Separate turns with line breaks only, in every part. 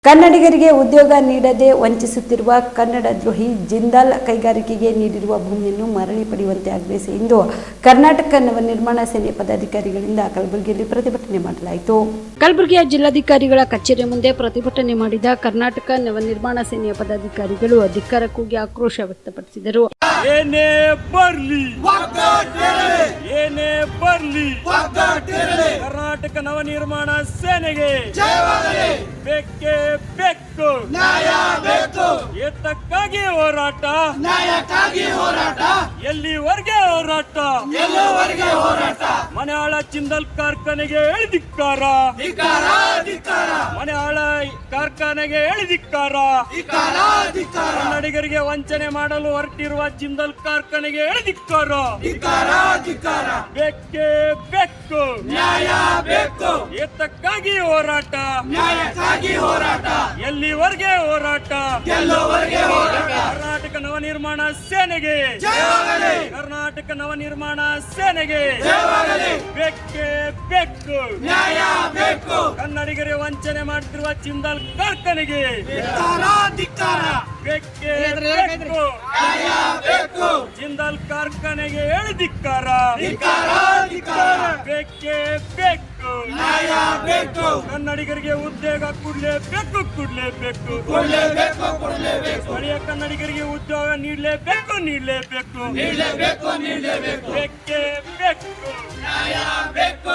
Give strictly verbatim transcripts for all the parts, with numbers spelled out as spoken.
ಕನ್ನಡಿಗರಿಗೆ ಉದ್ಯೋಗ ನೀಡದೆ ವಂಚಿಸುತ್ತಿರುವ ಕನ್ನಡ ದ್ರೋಹಿ ಜಿಂದಾಲ್ ಕೈಗಾರಿಕೆಗೆ ನೀಡಿರುವ ಭೂಮಿಯನ್ನು ಮರಳಿ ಪಡೆಯುವಂತೆ ಆಗ್ರಹಿಸಿ ಇಂದು ಕರ್ನಾಟಕ ನವನಿರ್ಮಾಣ ಸೇನೆ ಪದಾಧಿಕಾರಿಗಳಿಂದ ಕಲಬುರಗಿಯಲ್ಲಿ ಪ್ರತಿಭಟನೆ ಮಾಡಲಾಯಿತು. ಕಲಬುರಗಿಯ ಜಿಲ್ಲಾಧಿಕಾರಿಗಳ ಕಚೇರಿ ಮುಂದೆ ಪ್ರತಿಭಟನೆ ಮಾಡಿದ ಕರ್ನಾಟಕ ನವನಿರ್ಮಾಣ ಸೇನೆಯ ಪದಾಧಿಕಾರಿಗಳು ಧಿಕ್ಕಾರ ಕೂಗಿ ಆಕ್ರೋಶ ವ್ಯಕ್ತಪಡಿಸಿದರು.
ಏನೇ ಬರ್ಲಿ ಏನೇ ಬರ್ಲಿ ಕರ್ನಾಟಕ ನವನಿರ್ಮಾಣ ಸೇನೆಗೆ ಬೇಕೇ ಬೇಕು,
ನ್ಯಾಯ ಬೇಕು,
ಏತಕ್ಕಾಗಿ ಹೋರಾಟ,
ನ್ಯಾಯಕ್ಕಾಗಿ ಹೋರಾಟ,
ಎಲ್ಲಿವರೆಗೆ ಹೋರಾಟ,
ಎಲ್ಲವರೆಗೆ ಹೋರಾಟ.
ಮನೆಯಾಳ ಜಿಂದಾಲ್ ಕಾರ್ಖಾನೆಗೆ ಎಳೆದಿಕ್ಕಾರ,
ಧಿಕ್ಕಾರ ಧಿಕ್ಕಾರ,
ಮನೆಯಾಳ ಕಾರ್ಖಾನೆಗೆ ಎಳೆದಿಕ್ಕಾರ,
ಧಿಕ್ಕಾರ ಧಿಕ್ಕಾರ,
ಕನ್ನಡಿಗರಿಗೆ ವಂಚನೆ ಮಾಡಲು ಹೊರಟಿರುವ ಜಿಂದಾಲ್ ಕಾರ್ಖಾನೆಗೆ ಎಳೆದಿಕ್ಕಾರ,
ಧಿಕ್ಕಾರ ಧಿಕ್ಕಾರ.
ಬೇಕೇ ಬೇಕು,
ನ್ಯಾಯ ಬೇಕು,
ಏತಕ್ಕಾಗಿ ಹೋರಾಟ,
ನ್ಯಾಯಕ್ಕಾಗಿ ಹೋರಾಟ,
ಎಲ್ಲಿವರೆಗೆ ಹೋರಾಟ,
ಎಲ್ಲವರೆಗೆ ಹೋರಾಟ.
ಕರ್ನಾಟಕ ನವನಿರ್ಮಾಣ ಸೇನೆಗೆ
ಜಯವಾಗಲಿ,
ಕರ್ನಾಟಕ ನವನಿರ್ಮಾಣ ಸೇನೆಗೆ
ಜಯವಾಗಲಿ.
ಬೇಕೇ ಬೇಕು,
ನ್ಯಾಯ ಬೇಕು,
ಕನ್ನಡಿಗರಿಗೆ ವಂಚನೆ ಮಾಡುತ್ತಿರುವ ಜಿಂದಾಲ್ ಕಾರ್ಖಾನೆಗೆ
ಧಿಕ್ಕಾರ ಧಿಕ್ಕಾರ,
ಬೇಕೇ ಬೇಕು,
ನ್ಯಾಯ ಬೇಕು,
ಜಿಂದಾಲ್ ಕಾರ್ಖಾನೆಗೆ ಎಳೆದಿಕ್ಕಾರ,
ಧಿಕ್ಕಾರ ಧಿಕ್ಕಾರ,
ಬೇಕೇ ಬೇಕು,
ನ್ಯಾಯ ಬೇಕು,
ಕನ್ನಡಿಗರಿಗೆ ಉದ್ಯೋಗ ಕೊಡ್ಲೇಬೇಕು ಕೊಡ್ಲೇಬೇಕು
ಕೊಡ್ಲೇಬೇಕು ಕೊಡ್ಲೇಬೇಕು,
ಸ್ಥಳೀಯ ಕನ್ನಡಿಗರಿಗೆ ಉದ್ಯೋಗ ನೀಡಲೇಬೇಕು ನೀಡಲೇಬೇಕು
ನೀಡಲೇಬೇಕು ನೀಡಲೇಬೇಕು,
ಬೇಕೇ ಬೇಕು,
ನ್ಯಾಯ ಬೇಕು.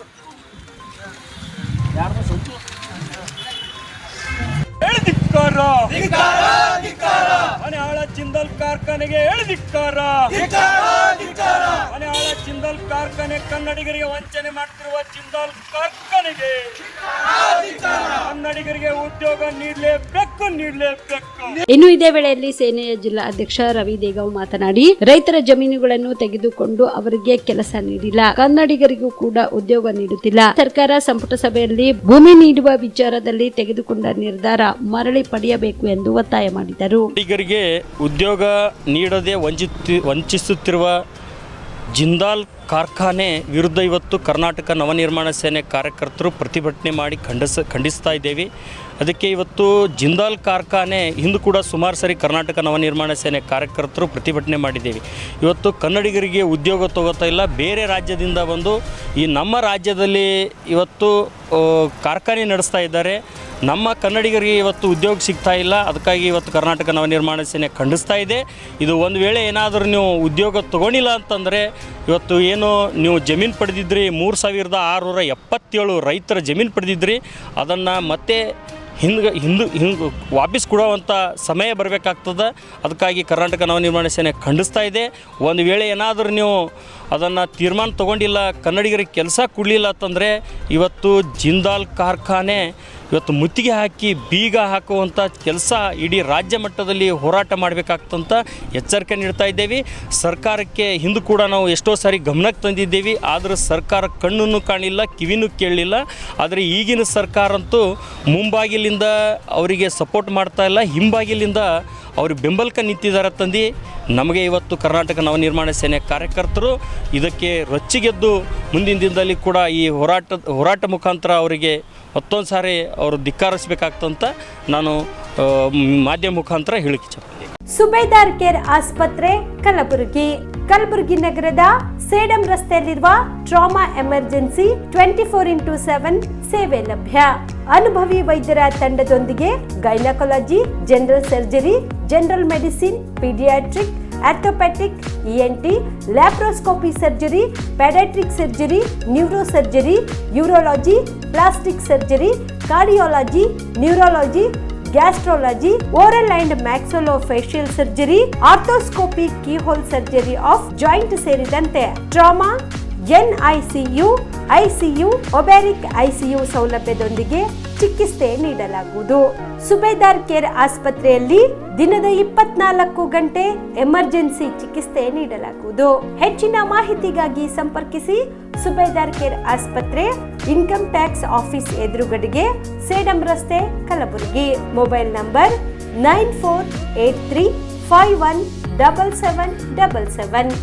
ಎಳೆದಿಕ್ಕಾರ,
ಧಿಕ್ಕಾರ ಧಿಕ್ಕಾರ,
ಮನೆಯಾಳ ಜಿಂದಾಲ್ ಕಾರ್ಖಾನೆಗೆ ಎಳೆದಿಕ್ಕಾರ,
ಧಿಕ್ಕಾರ ಧಿಕ್ಕಾರ,
ಮನೆಯಾಳ ಜಿಂದಾಲ್ ಕಾರ್ಖಾನೆ ಕನ್ನಡಿಗರಿಗೆ ವಂಚನೆ ಮಾಡುತ್ತಿರುವ ಜಿಂದಾಲ್ ಕಾರ್ಖಾನೆಗೆ ಕನ್ನಡಿಗರಿಗೆ ಉದ್ಯೋಗ ನೀಡಲೇಬೇಕು ನೀಡಲೇಬೇಕು.
ಇನ್ನು ಇದೇ ವೇಳೆಯಲ್ಲಿ ಸೇನೆಯ ಜಿಲ್ಲಾ ಅಧ್ಯಕ್ಷ ರವಿ ದೇಗಾವ್ ಮಾತನಾಡಿ, ರೈತರ ಜಮೀನುಗಳನ್ನು ತೆಗೆದುಕೊಂಡು ಅವರಿಗೆ ಕೆಲಸ ನೀಡಿಲ್ಲ, ಕನ್ನಡಿಗರಿಗೂ ಕೂಡ ಉದ್ಯೋಗ ನೀಡುತ್ತಿಲ್ಲ. ಸರ್ಕಾರ ಸಂಪುಟ ಸಭೆಯಲ್ಲಿ ಭೂಮಿ ನೀಡುವ ವಿಚಾರದಲ್ಲಿ ತೆಗೆದುಕೊಂಡ ನಿರ್ಧಾರ ಮರಳಿ ಪಡೆಯಬೇಕು ಎಂದು ಒತ್ತಾಯ ಮಾಡಿದರು.
ಕನ್ನಡಿಗರಿಗೆ ಉದ್ಯೋಗ ನೀಡದೆ ವಂಚಿತ ವಂಚಿಸುತ್ತಿರುವ ಜಿಂದಾಲ್ ಕಾರ್ಖಾನೆ ವಿರುದ್ಧ ಇವತ್ತು ಕರ್ನಾಟಕ ನವನಿರ್ಮಾಣ ಸೇನೆ ಕಾರ್ಯಕರ್ತರು ಪ್ರತಿಭಟನೆ ಮಾಡಿ ಖಂಡಿಸ ಖಂಡಿಸ್ತಾ ಇದ್ದೇವೆ. ಅದಕ್ಕೆ ಇವತ್ತು ಜಿಂದಾಲ್ ಕಾರ್ಖಾನೆ ಹಿಂದೂ ಕೂಡ ಸುಮಾರು ಸರಿ ಕರ್ನಾಟಕ ನವನಿರ್ಮಾಣ ಸೇನೆ ಕಾರ್ಯಕರ್ತರು ಪ್ರತಿಭಟನೆ ಮಾಡಿದ್ದೇವೆ. ಇವತ್ತು ಕನ್ನಡಿಗರಿಗೆ ಉದ್ಯೋಗ ತಗೋತಾ ಇಲ್ಲ, ಬೇರೆ ರಾಜ್ಯದಿಂದ ಬಂದು ಈ ನಮ್ಮ ರಾಜ್ಯದಲ್ಲಿ ಇವತ್ತು ಕಾರ್ಖಾನೆ ನಡೆಸ್ತಾ ಇದ್ದಾರೆ. ನಮ್ಮ ಕನ್ನಡಿಗರಿಗೆ ಇವತ್ತು ಉದ್ಯೋಗ ಸಿಗ್ತಾ ಇಲ್ಲ. ಅದಕ್ಕಾಗಿ ಇವತ್ತು ಕರ್ನಾಟಕ ನವನಿರ್ಮಾಣ ಸೇನೆ ಖಂಡಿಸ್ತಾ ಇದೆ. ಇದು ಒಂದು ವೇಳೆ ಏನಾದರೂ ನೀವು ಉದ್ಯೋಗ ತೊಗೊಂಡಿಲ್ಲ ಅಂತಂದರೆ ಇವತ್ತು ಏನು ನೀವು ಜಮೀನು ಪಡೆದಿದ್ರಿ, ಮೂರು ಸಾವಿರದ ಆರುನೂರ ಎಪ್ಪತ್ತೇಳು ರೈತರ ಜಮೀನು ಪಡೆದಿದ್ರಿ, ಅದನ್ನು ಮತ್ತೆ ಹಿಂದೆ ಹಿಂದು ಹಿಂಗೆ ವಾಪಸ್ ಕೊಡುವಂಥ ಸಮಯ ಬರಬೇಕಾಗ್ತದೆ. ಅದಕ್ಕಾಗಿ ಕರ್ನಾಟಕ ನವನಿರ್ಮಾಣ ಸೇನೆ ಖಂಡಿಸ್ತಾ ಇದೆ. ಒಂದು ವೇಳೆ ಏನಾದರೂ ನೀವು ಅದನ್ನು ತೀರ್ಮಾನ ತೊಗೊಂಡಿಲ್ಲ, ಕನ್ನಡಿಗರಿಗೆ ಕೆಲಸ ಕೊಡಲಿಲ್ಲ ಅಂತಂದರೆ ಇವತ್ತು ಜಿಂದಾಲ್ ಕಾರ್ಖಾನೆ ಇವತ್ತು ಮುತ್ತಿಗೆ ಹಾಕಿ ಬೀಗ ಹಾಕುವಂಥ ಕೆಲಸ ಇಡೀ ರಾಜ್ಯ ಮಟ್ಟದಲ್ಲಿ ಹೋರಾಟ ಮಾಡಬೇಕಾಗ್ತಂತ ಎಚ್ಚರಿಕೆ ನೀಡ್ತಾ ಇದ್ದೇವೆ. ಸರ್ಕಾರಕ್ಕೆ ಹಿಂದೆ ಕೂಡ ನಾವು ಎಷ್ಟೋ ಸಾರಿ ಗಮನಕ್ಕೆ ತಂದಿದ್ದೇವೆ, ಆದರೆ ಸರ್ಕಾರ ಕಣ್ಣನ್ನು ಕಾಣಿಲ್ಲ, ಕಿವಿನೂ ಕೇಳಲಿಲ್ಲ. ಆದರೆ ಈಗಿನ ಸರ್ಕಾರ ಅಂತೂ ಮುಂಬಾಗಿಲಿಂದ ಅವರಿಗೆ ಸಪೋರ್ಟ್ ಮಾಡ್ತಾ ಇಲ್ಲ, ಹಿಂಬಾಗಿಲಿಂದ ಅವ್ರಿಗೆ ಬೆಂಬಲಕ್ಕೆ ನಿಂತಿದ್ದಾರೆ ತಂದು ನಮಗೆ ಇವತ್ತು ಕರ್ನಾಟಕ ನವನಿರ್ಮಾಣ ಸೇನೆ ಕಾರ್ಯಕರ್ತರು ಇದಕ್ಕೆ ರೊಚ್ಚಿಗೆದ್ದು ಮುಂದಿನ ದಿನದಲ್ಲಿ ಕೂಡ ಈ ಹೋರಾಟ ಹೋರಾಟ ಮುಖಾಂತರ ಅವರಿಗೆ ಮತ್ತೊಂದು ಸಾರಿ ಅವರು ಧಿಕ್ಕಾರಿಸಬೇಕಾಗ್ತಂತ ನಾನು ಮಾಧ್ಯಮ ಮುಖಾಂತರ ಹೇಳಿಕೆ ಇಚ್ಛೆ.
ಸುಬೇದಾರ್ ಕೇರ್ ಆಸ್ಪತ್ರೆ ಕಲಬುರಗಿ. ಕಲಬುರಗಿ ನಗರದ ಸೇಡಂ ರಸ್ತೆಯಲ್ಲಿರುವ trauma emergency twenty four into seven ಸೇವೆ ಲಭ್ಯ. ಅನುಭವಿ ವೈದ್ಯರ ತಂಡದೊಂದಿಗೆ gynaecology, general surgery, general medicine, paediatric, orthopaedic, ENT, laparoscopy surgery, paediatric surgery, neuro surgery, urology, plastic surgery, cardiology, neurology, gastrology, oral and maxillofacial surgery, arthroscopy, keyhole surgery of joint ಸೇರಿದಂತೆ trauma, NICU, ICU, obstetric ICU ಸೌಲಭ್ಯದೊಂದಿಗೆ ಚಿಕಿತ್ಸೆ ನೀಡಲಾಗುವುದು. ಸುಬೇದಾರ್ care ಆಸ್ಪತ್ರೆಯಲ್ಲಿ ದಿನದ ಇಪ್ಪತ್ನಾಲ್ಕು ಗಂಟೆ emergency ಚಿಕಿತ್ಸೆ ನೀಡಲಾಗುವುದು. ಹೆಚ್ಚಿನ ಮಾಹಿತಿಗಾಗಿ ಸಂಪರ್ಕಿಸಿ ಸುಬೇದಾರ್ ಕೇರ್ ಆಸ್ಪತ್ರೆ, ಇನ್ಕಮ್ ಟ್ಯಾಕ್ಸ್ ಆಫೀಸ್ ಎದುರುಗಡೆಗೆ, ಸೇಡಂ ರಸ್ತೆ, Kalaburagi. Mobile number nine four eight three five one double seven double seven.